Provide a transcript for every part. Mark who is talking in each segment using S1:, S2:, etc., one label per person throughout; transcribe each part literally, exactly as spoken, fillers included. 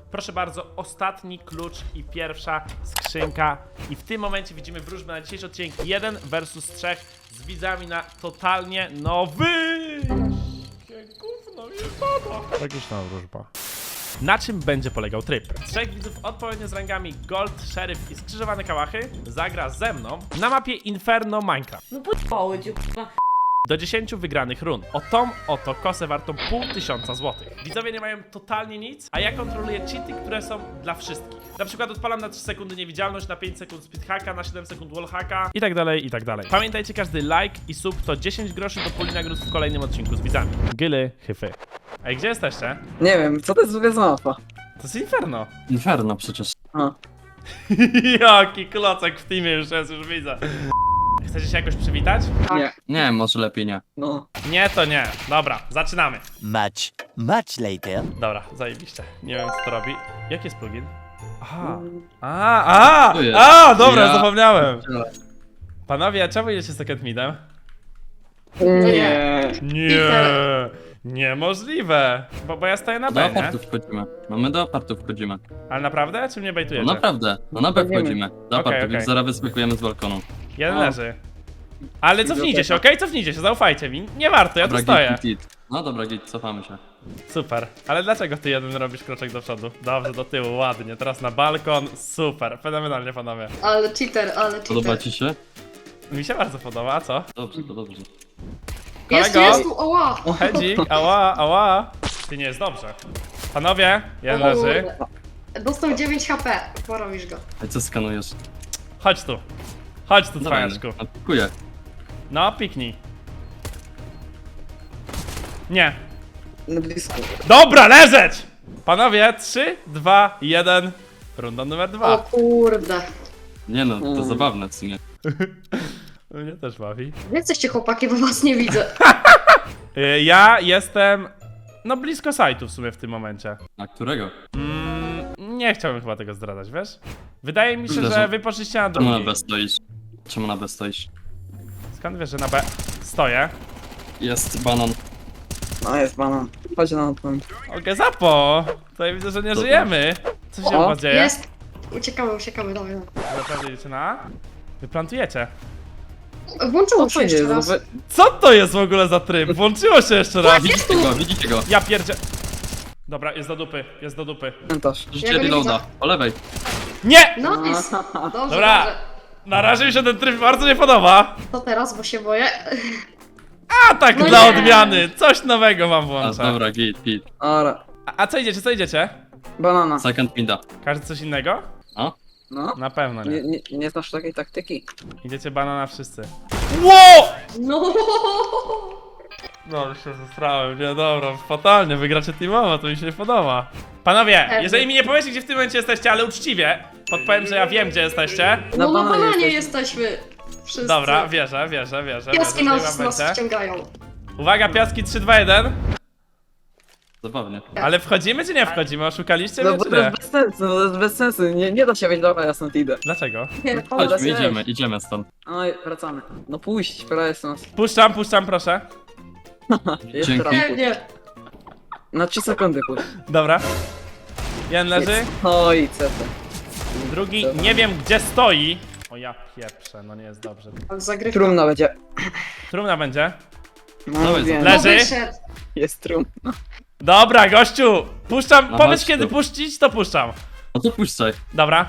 S1: Proszę bardzo, ostatni klucz i pierwsza skrzynka. I w tym momencie widzimy wróżbę na dzisiejszy odcinek jeden versus trzech z widzami na totalnie nowy. Jakie gówno jest to? Tragiczna wróżba. Na czym będzie polegał tryb? Trzech widzów odpowiednio z rangami Gold, Sheriff i skrzyżowane kałachy zagra ze mną na mapie Inferno Minecraft.
S2: No p***ło cię, k***a.
S1: Do dziesięciu wygranych run. O tą oto kosę wartą pół tysiąca złotych. Widzowie nie mają totalnie nic, a ja kontroluję cheaty, które są dla wszystkich. Na przykład odpalam na trzy sekundy niewidzialność, na pięć sekund speedhacka, na siedem sekund wallhacka i tak dalej, i tak dalej. Pamiętajcie, każdy like i sub to dziesięć groszy do puli nagród w kolejnym odcinku z widzami. Gyly, hyfy. Ej, gdzie jesteście?
S3: Nie wiem, co to jest w ogóle za mapa?
S1: To jest Inferno.
S4: Inferno przecież.
S3: A.
S1: Jaki klocek w teamie już jest, już widzę. Chcecie się jakoś przywitać?
S3: Nie,
S4: Nie, może lepiej nie.
S3: no.
S1: Nie, to nie. Dobra, zaczynamy.
S5: Much, much later.
S1: Dobra, zajebiście. Nie wiem, co to robi. Jaki jest plugin? Aha. A, a,
S4: Tu jest.
S1: a, dobra,
S4: Ja-
S1: zapomniałem. Panowie, czemu idziecie z Second Midem?
S3: Nie.
S1: Nie, niemożliwe. Bo, bo ja stoję na
S4: Do
S1: B, nie?
S4: apartów wchodzimy. No my do apartów wchodzimy.
S1: Ale naprawdę? Czy mnie
S4: No
S1: bejtujecie?
S4: naprawdę, no na B
S3: Wchodzimy.
S4: wchodzimy. Do
S1: Okej,
S4: apartów,
S1: okej.
S4: więc zaraz wyskakujemy z balkonu.
S1: Jeden
S3: O.
S1: leży. Ale cofnijcie się, okej? Cofnijcie się, zaufajcie mi. Nie warto, ja tu
S4: Dobra,
S1: stoję.
S4: git, git, git. No dobra, git, cofamy się.
S1: Super. Ale dlaczego ty jeden robisz kroczek do przodu? Dobrze, do tyłu, ładnie. Teraz na balkon. Super. Fenomenalnie, panowie.
S2: Ale cheater, ale
S4: Podoba
S2: cheater.
S4: ci się?
S1: Mi się bardzo podoba, a co?
S4: Dobrze, to dobrze.
S2: Jest,
S1: Kolego?
S2: jest tu, oła!
S1: Hedzik, ała, ała. Ty nie jest dobrze. Panowie, jeden
S2: O
S1: leży.
S2: kurde. Dostał dziewięć H P, porobisz go.
S4: A co skanujesz?
S1: Chodź tu. Chodź tu,
S4: Dawaj,
S1: cwaniaczku.
S4: no, pikuję.
S1: No, piknij. Nie.
S3: No blisko.
S1: Dobra, leżeć! Panowie, trzy, dwa, jeden. Runda numer
S2: O
S1: dwa.
S2: kurde.
S4: Nie no, to
S3: Mm.
S4: zabawne w sumie.
S1: Mnie też bawi.
S2: Gdzie jesteście chłopaki, bo was nie widzę.
S1: Y, Ja jestem... No, blisko sajtu w sumie w tym momencie.
S4: A którego?
S1: Mm, nie chciałbym chyba tego zdradzać, wiesz? Wydaje mi się,
S4: Widzę,
S1: że
S4: że-
S1: wy poszliście na
S4: Czemu na
S1: drugi.
S4: B stoisz? Czemu na B stoisz?
S1: Skąd wiesz, że na B stoję?
S4: Jest banan.
S3: No jest banan. Chodź na ten.
S1: Okej, zapo! Tutaj widzę, że nie
S4: Dobra.
S1: żyjemy. Co się u
S3: O,
S1: was dzieje?
S2: Jest. Uciekamy, uciekamy, dawaj. dawaj.
S1: Naprawdę idziecie na A? Wy plantujecie.
S2: Włączyło
S3: Co
S2: się
S3: to
S2: jeszcze
S3: jest?
S2: raz.
S3: Wy-
S1: Co to jest w ogóle za tryb? Włączyło się jeszcze raz.
S4: Widzicie go, widzicie go.
S1: Ja pierdzie... Dobra, jest do dupy, jest do dupy.
S3: Komentarz.
S4: Życie
S2: Ja go nie
S4: reloada.
S2: widzę.
S4: Po lewej.
S1: Nie!
S2: No jest. Dobrze,
S1: Dobra.
S2: dobrze.
S1: Na razie mi się ten tryb bardzo nie podoba.
S2: To teraz, bo się boję.
S1: A tak
S2: No
S1: dla
S2: nie.
S1: odmiany. Coś nowego wam
S4: A,
S1: włączę.
S4: dobra, git, git.
S3: Ora.
S1: A, a co idziecie, co idziecie?
S3: Banana.
S4: Second mida.
S1: Każdy coś innego?
S4: A?
S3: No.
S1: Na pewno
S3: Nie,
S1: nie.
S3: nie, nie znasz takiej taktyki.
S1: Idziecie banana wszyscy. Ło!
S2: No.
S1: No, już się zesrałem, nie, dobra, fatalnie, wygracie teamowo, to mi się nie podoba. Panowie,
S2: Pewnie.
S1: jeżeli mi nie powiecie, gdzie w tym momencie jesteście, ale uczciwie, podpowiem, że ja wiem, gdzie jesteście.
S3: Na
S2: No na
S3: bananie
S2: bananie
S3: jesteśmy.
S2: jesteśmy. Wszyscy.
S1: Dobra, wierzę, wierzę, wierzę.
S2: Piaski
S1: wierzę,
S2: nas,
S1: że
S2: nas
S1: będzie.
S2: wciągają.
S1: Uwaga, piaski trzy, dwa, jeden.
S4: Zabawnie.
S1: Ale wchodzimy czy nie wchodzimy? Oszukaliście
S3: No
S1: mnie
S3: bo
S1: czy
S3: to
S1: nie?
S3: jest bez sensu, no to jest bez sensu. Nie, nie da się wejść, dobra, ja stąd idę.
S1: Dlaczego?
S2: Nie,
S3: Chodź.
S4: Chodźmy,
S3: Chodź.
S4: idziemy, idziemy stąd.
S3: Oj, wracamy. No pójść, prawie jest nas.
S1: Puszczam, puszczam, proszę.
S3: Jeszcze
S4: Dzięki.
S3: raz
S2: nie,
S3: pójść.
S2: nie.
S3: Na trzy sekundy pójść.
S1: Dobra. Jeden leży,
S3: Oj, co to?
S1: drugi nie wiem gdzie stoi. O ja pieprzę, no nie jest dobrze.
S2: Ale zagrywka.
S3: Trumna będzie.
S1: Trumna będzie.
S3: No,
S4: Dawaj,
S3: wiem.
S1: Le-
S2: No
S1: Leży?
S2: wyszedł.
S3: Jest trum.
S1: Dobra, gościu! Puszczam,
S4: No
S1: powiedz
S4: chodź
S1: kiedy
S4: tu.
S1: puścić, to puszczam.
S4: No to puszczaj.
S1: Dobra.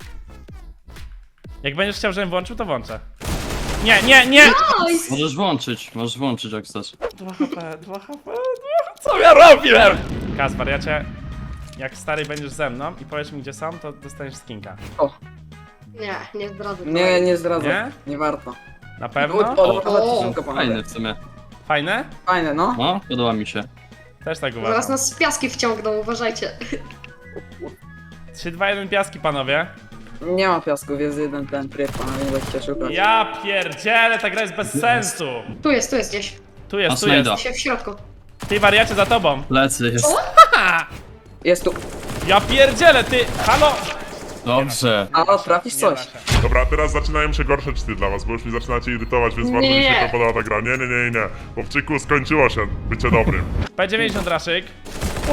S1: Jak będziesz chciał, żebym włączył, to włączę. Nie, nie, nie!
S2: Nice.
S4: Możesz włączyć, możesz włączyć jak chcesz.
S1: dwa H P, dwa H P, co ja robiłem? Kaspar, ja cię... Jak stary będziesz ze mną i powiesz mi gdzie są, to dostaniesz skinka.
S3: O,
S2: Nie, nie zdradzę.
S3: nie, nie zdradzam.
S1: Nie?
S3: Nie warto.
S1: Na pewno?
S3: O,
S2: O,
S3: szybko
S4: Fajny
S3: panowie.
S4: w sumie.
S1: Fajne?
S3: Fajne, no.
S4: No, podoba mi się.
S1: Też tak
S2: Zaraz
S1: uważam.
S2: nas z piaski wciągną, uważajcie.
S1: trzy, dwa, jeden piaski, panowie.
S3: Nie ma piasków, jest jeden ten tryb, panowie, nie będziecie szukać.
S1: Ja pierdzielę, ta gra jest bez sensu.
S2: Tu jest, tu jest gdzieś.
S1: Tu jest, tu
S4: A
S1: jest.
S4: snajda.
S2: Się w środku.
S1: Ty wariacie za tobą.
S4: Plecy jest.
S3: Jest tu.
S1: Ja pierdzielę, ty, halo!
S4: Dobrze.
S3: A, trafisz
S1: Nie
S3: coś.
S1: da się.
S6: Dobra, teraz zaczynają się gorsze czyty dla was, bo już mi zaczynacie irytować, więc bardzo mi się
S2: Nie.
S6: to podoba ta gra. Nie, nie, nie, nie. Chłopczyku, skończyło się bycie dobrym.
S1: P dziewięćdziesiąt raszyk. Uj.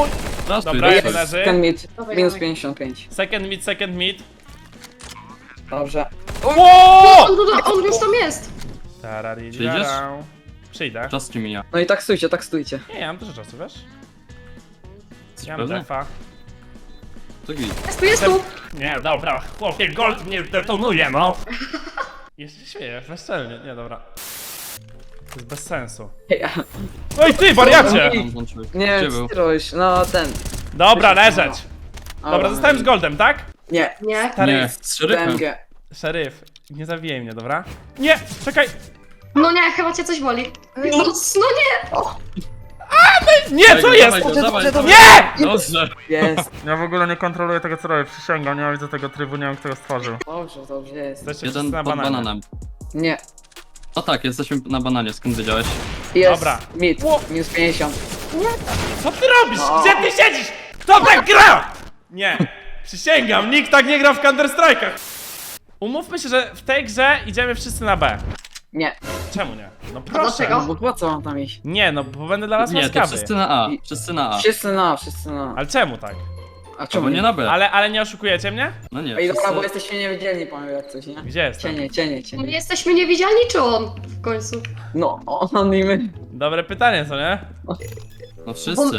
S4: Zasuj,
S1: Dobra, jeden
S4: zasuj.
S1: leży.
S3: Second mid,
S2: Dawaj,
S3: minus
S2: dawaj.
S3: pięćdziesiąt pięć.
S1: Second mid, second mid.
S3: Dobrze.
S1: Ło!
S2: On, on, on już tam jest!
S4: Przyjdziesz?
S1: Przyjdę.
S4: Czas ci mija.
S3: No i tak stójcie, tak stójcie.
S1: Nie, ja mam dużo czasu, wiesz?
S4: Jesteś
S1: Ja mam
S4: pewny?
S1: defa.
S4: To git.
S2: Jest tu, jest tu!
S1: Nie, dobra, chłopie, gold mnie detonuje, no! Jeszcze się śmieję, bezczelnie, nie, dobra. To jest bez sensu.
S3: Ja.
S1: Oj ty, wariacie!
S3: Oj.
S4: Tam włączyłeś.
S3: Nie,
S4: Gdzie był?
S3: co ty robisz? No ten.
S1: Dobra, leżeć!
S3: A,
S1: Dobra, zostałem z goldem, tak?
S3: Nie,
S2: Nie.
S1: Stary,
S4: Nie, z szeryfem.
S3: D M G.
S1: szeryf, nie zabijaj mnie, dobra? Nie, czekaj!
S2: No nie, chyba cię coś boli. No, no nie!
S1: Nie, co jest?
S4: Dawaj go, dawaj, dawaj.
S1: Nie!
S4: Dobrze.
S3: Jest.
S1: Ja w ogóle nie kontroluję tego, co robię, przysięgam, nie widzę tego trybu, nie wiem, kto go stworzył.
S3: Dobrze, dobrze jest.
S1: Jesteście
S4: Jeden
S1: wszyscy na
S4: pod
S1: bananie.
S4: bananem.
S3: Nie.
S4: No tak, jesteśmy na bananie, skąd wiedziałeś?
S3: Jest.
S1: Dobra.
S3: Mid.
S1: Ło.
S3: Minus pięćdziesiąt.
S1: Co ty robisz?
S3: No.
S1: Gdzie ty siedzisz? Kto tak gra? Nie, przysięgam, nikt tak nie gra w Counter Strike'ach. Umówmy się, że w tej grze idziemy wszyscy na B.
S3: Nie.
S1: Czemu nie? No
S2: dlaczego?
S1: proszę.
S3: No bo po co mam tam iść?
S1: Nie, no bo będę dla was
S4: Nie, to
S1: łaskawy.
S4: wszyscy na A. Wszyscy na A.
S3: Wszyscy na, wszyscy na.
S1: Ale czemu tak?
S3: A
S4: Albo
S3: czemu
S4: nie na B.
S1: Ale, ale nie oszukujecie mnie?
S4: No nie,
S3: Ej, dobra, bo
S4: wszyscy...
S3: jesteśmy niewidzialni, panowie, jak coś, nie?
S1: Gdzie jestem?
S3: Cienie, cienie,
S2: My
S3: cienie.
S2: jesteśmy niewidzialni, czy on? W końcu.
S3: No, on i my.
S1: Dobre pytanie, co nie?
S4: No wszyscy.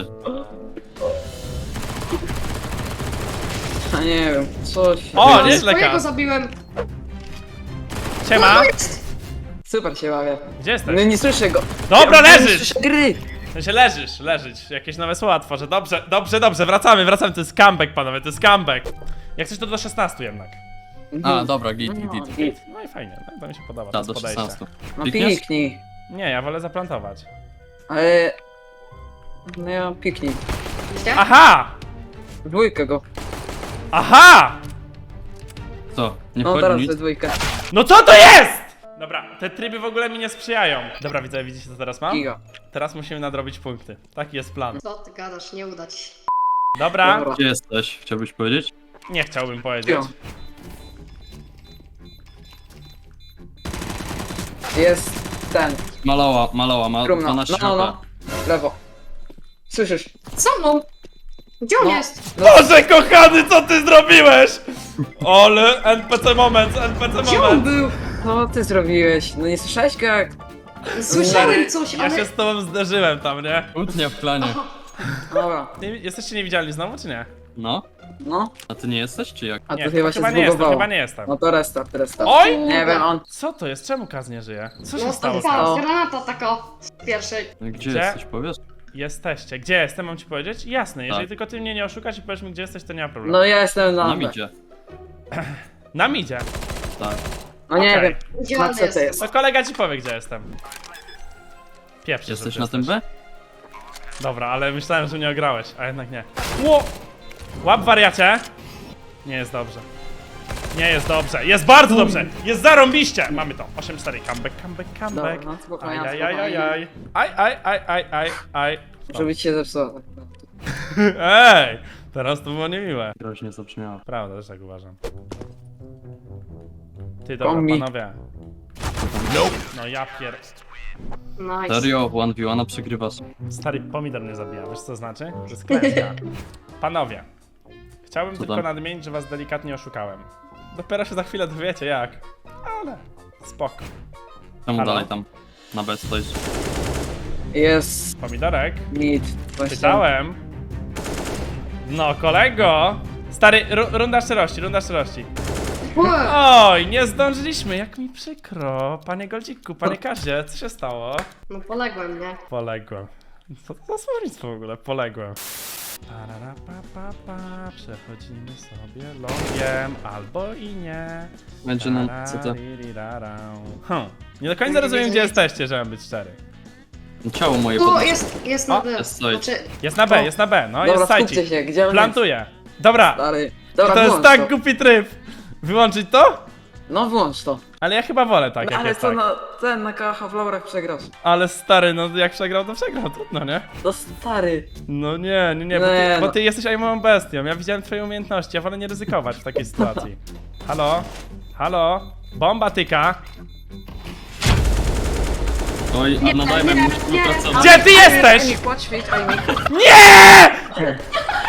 S3: A nie wiem, coś.
S1: O,
S2: No,
S1: nieźle,
S2: swojego
S1: Kas.
S2: zabiłem.
S1: Siema,
S2: No jest!
S3: Super się bawię.
S1: gdzie jesteś?
S3: No nie słyszę go.
S1: Dobra,
S3: Ja nie
S1: leżysz!
S3: słyszę gry.
S1: W sensie leżysz, leżyć. Jakieś nowe słowa tworzę. Dobrze, dobrze, dobrze, wracamy, wracamy. To jest comeback, panowie, to jest comeback. Jak coś to do szesnastu jednak.
S4: A, dobra, git, git,
S3: No,
S4: git.
S3: git.
S1: No i fajnie, no, to mi się podoba. to
S4: Tak,
S1: jest
S4: do
S1: podejście.
S4: szesnastu.
S3: No
S4: Klikniesz?
S3: piknij.
S1: Nie, ja wolę zaplantować.
S3: Ale... No ja piknij.
S2: Widzicie?
S1: Aha!
S3: Dwójkę go.
S1: Aha!
S4: Co? Nie
S3: No
S4: wchodzi
S3: teraz
S4: nic?
S3: we dwójkę.
S1: No co to jest?! Dobra, te tryby w ogóle mi nie sprzyjają. Dobra, widzę, widzicie co teraz mam?
S3: Giga.
S1: Teraz musimy nadrobić punkty. Taki jest plan.
S2: Co ty gadasz, nie uda ci się.
S1: Dobra,
S3: Dobra.
S4: Gdzie jesteś? Chciałbyś powiedzieć?
S1: nie chciałbym powiedzieć.
S3: Jo. Jest ten.
S4: Malała, malała, ma
S3: Trumna. No,
S4: dwanaście
S3: no,
S4: H
S3: no.
S4: P.
S3: Lewo. Słyszysz?
S2: Co mną? Gdzie on
S3: No.
S2: jest?
S1: Boże kochany, co ty zrobiłeś?! Ale N P C moment, N P C
S3: Gdzie on
S1: moment.
S3: był? Co ty zrobiłeś? No nie słyszałeś go jak...
S2: Słyszałem coś,
S1: Ja
S2: ale...
S1: się z tobą zderzyłem tam, nie?
S4: Kłótnia w klanie.
S3: Dobra.
S1: Ty jesteście niewidzialni znowu, czy nie?
S4: No?
S3: No.
S4: A ty nie jesteś, czy jak?
S3: A
S1: Nie,
S3: to chyba się
S1: chyba nie jestem,
S3: zbugowało.
S1: chyba nie jestem.
S3: No to restart, restart.
S1: Oj!
S3: Nie wiem, on...
S1: Co to jest? Czemu Kaz nie żyje? Co się
S2: No
S1: stało?
S2: to
S1: z Kaz?
S3: stało?
S2: ta granata taka z pierwszej.
S4: No, Gdzie,
S1: Gdzie?
S4: jesteś, powiesz?
S1: Jesteście. Gdzie jestem, mam ci powiedzieć? Jasne, jeżeli
S4: Tak.
S1: tylko ty mnie nie oszukasz i powiesz mi gdzie jesteś, to nie ma problemu.
S3: No ja jestem na...
S4: Na
S3: B.
S4: midzie.
S1: Na midzie.
S4: Tak.
S3: No nie
S1: Okej.
S3: wiem.
S2: Gdzie
S3: Na
S2: on
S3: co to
S2: jest?
S3: jest?
S1: To kolega ci powie gdzie jestem. Pierwszy,
S4: Jesteś
S1: że
S4: na
S1: ty
S4: tym
S1: jesteś.
S4: B?
S1: Dobra, ale myślałem, że mnie ograłeś, a jednak nie. Ło! Łap wariacie! Nie jest dobrze. Nie jest dobrze. Jest bardzo dobrze! Jest zarąbiście! Mamy to. osiem cztery. Comeback, comeback, comeback.
S3: Dobra, no spokojnie,
S1: Aj, aj, aj, aj,
S3: spokojnie.
S1: aj. Aj, aj, aj, aj, aj, aj.
S3: Żeby ci się zepsuło.
S1: Ej! Teraz to było niemiłe.
S4: Groźnie zabrzmiało.
S1: Prawda, też tak uważam. Ty, dobra,
S3: Kombi.
S1: panowie. No ja pier...
S2: Nice.
S4: Serio, jeden v jeden przegrywasz.
S1: Stary pomidor mnie zabija, wiesz co to znaczy? To jest klęska. Panowie, chciałbym
S4: Co
S1: tylko
S4: tam?
S1: nadmienić, że was delikatnie oszukałem. Dopiero się za chwilę dowiecie jak. Ale spoko.
S4: Czemu
S1: Halo?
S4: dalej tam? Na B stoisz.
S3: Jest...
S1: Pomidorek,
S3: Mid. Właśnie.
S1: pytałem. No kolego! Stary, ru runda szczerości, runda szczerości.
S2: Ue,
S1: Oj, nie zdążyliśmy, jak mi przykro. Panie Goldziku, panie Kazie, co się stało?
S2: No poległem, nie?
S1: Poległem. Co to za słownictwo w ogóle? Poległem. Parara, pa, pa, pa. Przechodzimy sobie logiem, albo i nie.
S4: Będzie na C T.
S1: Tarariririrarau. Hmm. Nie do końca rozumiem, gdzie jesteście, żebym być szczery.
S4: Ciało moje
S2: Tu
S4: podnosi.
S2: jest, jest na
S1: O,
S2: D.
S4: jest coś.
S2: Znaczy,
S1: Jest na B,
S3: O.
S1: jest na B, no
S3: Dobra,
S1: jest
S3: skupcie
S1: sajcik.
S3: się, gdzie on jest?
S1: Plantuję. Dobra,
S3: Stary. Dobra,
S1: to jest
S3: włącz
S1: tak
S3: to.
S1: głupi tryb. Wyłączyć to?
S3: No włącz to.
S1: Ale ja chyba wolę tak,
S3: No,
S1: jak
S3: ale
S1: jest
S3: co
S1: tak.
S3: na ten na kacha w laurach przegrasz?
S1: Ale stary, no jak przegrał, to przegrał, trudno, nie?
S3: No stary.
S1: No nie, nie, nie, bo
S3: Nie,
S1: ty, bo
S3: no.
S1: ty jesteś aimową bestią. Ja widziałem twoje umiejętności, ja wolę nie ryzykować w takiej sytuacji. Halo? Halo? Bomba tyka.
S4: Oj, a nadajmy,
S2: nie,
S4: musi
S2: nie.
S4: pracować.
S1: Gdzie ty jesteś?
S3: Ejmik, podświeć, Ejmik.
S1: Nie!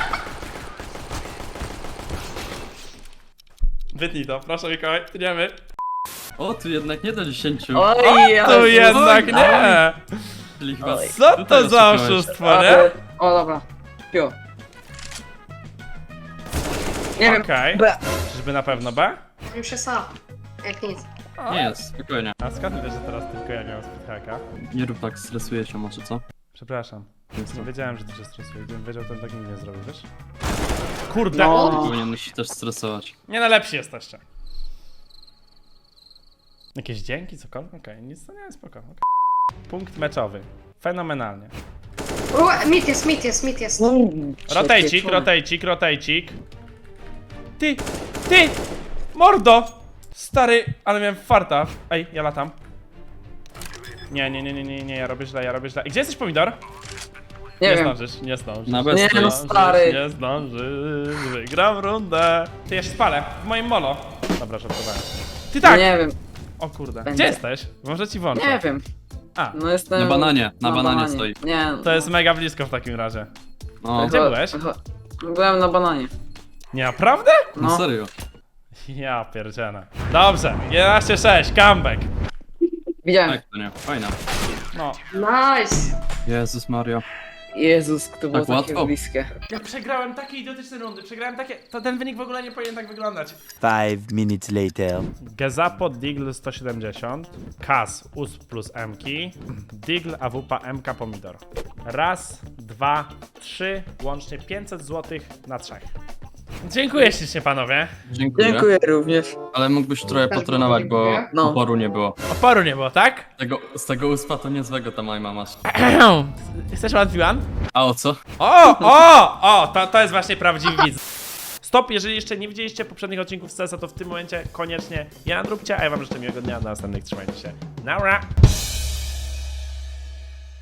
S1: Wytnij to, proszę Mikołaj, tniemy.
S4: O, tu jednak nie do dziesięciu.
S3: Oj,
S1: Tu
S3: Jezus.
S1: jednak
S4: oj,
S1: nie!
S4: Czyli chyba
S3: Oj.
S1: Co
S4: tutaj
S1: to za
S4: oszukałeś.
S1: oszustwo, nie?
S3: Ale- O, dobra. Pio. Nie wiem.
S1: Okej.
S3: B.
S1: Czyżby na pewno B?
S2: Już jest A. Jak nic.
S4: Nie jest, spokojnie.
S1: A skąd wiesz, że teraz tylko ja miałem speedhacka?
S4: Nie rób tak, stresuje się może, co?
S1: Przepraszam.
S4: Jest
S1: Nie
S4: to.
S1: wiedziałem, że ty się stresujesz. Gdybym wiedział, to bym tak nigdy nie zrobił, wiesz? Kurde!
S3: No.
S4: Powinieneś się też stresować.
S1: Nie najlepsi jesteście. Jakieś dzięki, cokolwiek? Okej, nic to nie jest spoko. okej. Punkt meczowy. Fenomenalnie.
S2: U, mit jest, mit jest, mit jest.
S1: Rotejcik, rotejcik, rotejcik. Ty, ty! Mordo! Stary, ale miałem farta. Ej, ja latam. Nie, nie, nie, nie, nie, nie, ja robię źle, ja robię źle. I gdzie jesteś, pomidor?
S3: Nie
S1: Nie
S3: wiem.
S1: zdążysz, nie zdążysz.
S4: Na bez
S3: Nie,
S4: to
S3: no
S4: jest.
S3: stary.
S1: Nie zdążysz, wygram rundę. Ty, ja się spalę, w moim molo. Dobra, żartowałem. Ty tak!
S3: Nie wiem.
S1: O kurde,
S3: Będzie.
S1: gdzie jesteś? Może ci włączę.
S3: Nie wiem.
S1: A,
S3: No jestem...
S4: Na bananie, na bananie stoi.
S3: Nie.
S1: to jest mega blisko w takim razie.
S4: No,
S1: Gdzie byłeś?
S3: Byłem na bananie.
S1: Nie, naprawdę?
S4: no
S3: No.
S4: serio.
S1: Ja pierdzielę. Dobrze, jedenaście sześć, comeback.
S3: Widziałem.
S4: Tak, to nie, fajna.
S1: No.
S2: Nice.
S4: Jezus Mario.
S3: Jezus, to było
S4: Tak
S3: takie
S4: łatwo?
S3: bliskie.
S1: Ja przegrałem takie idiotyczne rundy, przegrałem takie... To ten wynik w ogóle nie powinien tak wyglądać.
S5: Five minutes later.
S1: Gezapo, Digl sto siedemdziesiąt, Kas, U S P plus M-ki, Digl, A W P, M K, Pomidor. Raz, dwa, trzy, łącznie pięćset złotych na trzech. Dziękuję ślicznie, panowie.
S4: Dziękuję.
S3: Dziękuję również.
S4: Ale mógłbyś trochę
S2: Też
S4: potrenować, bo
S2: dziękuję.
S3: No.
S4: oporu nie było.
S1: Oporu nie było, tak?
S4: Tego, z tego uspa to niezłego ta majma masz.
S1: Chcesz one?
S4: A o co?
S1: O, o, o, to, to jest właśnie prawdziwy widz. Stop, jeżeli jeszcze nie widzieliście poprzednich odcinków z C S a, to w tym momencie koniecznie ja róbcie, a ja wam życzę miłego dnia, do następnych, trzymajcie się. Naura!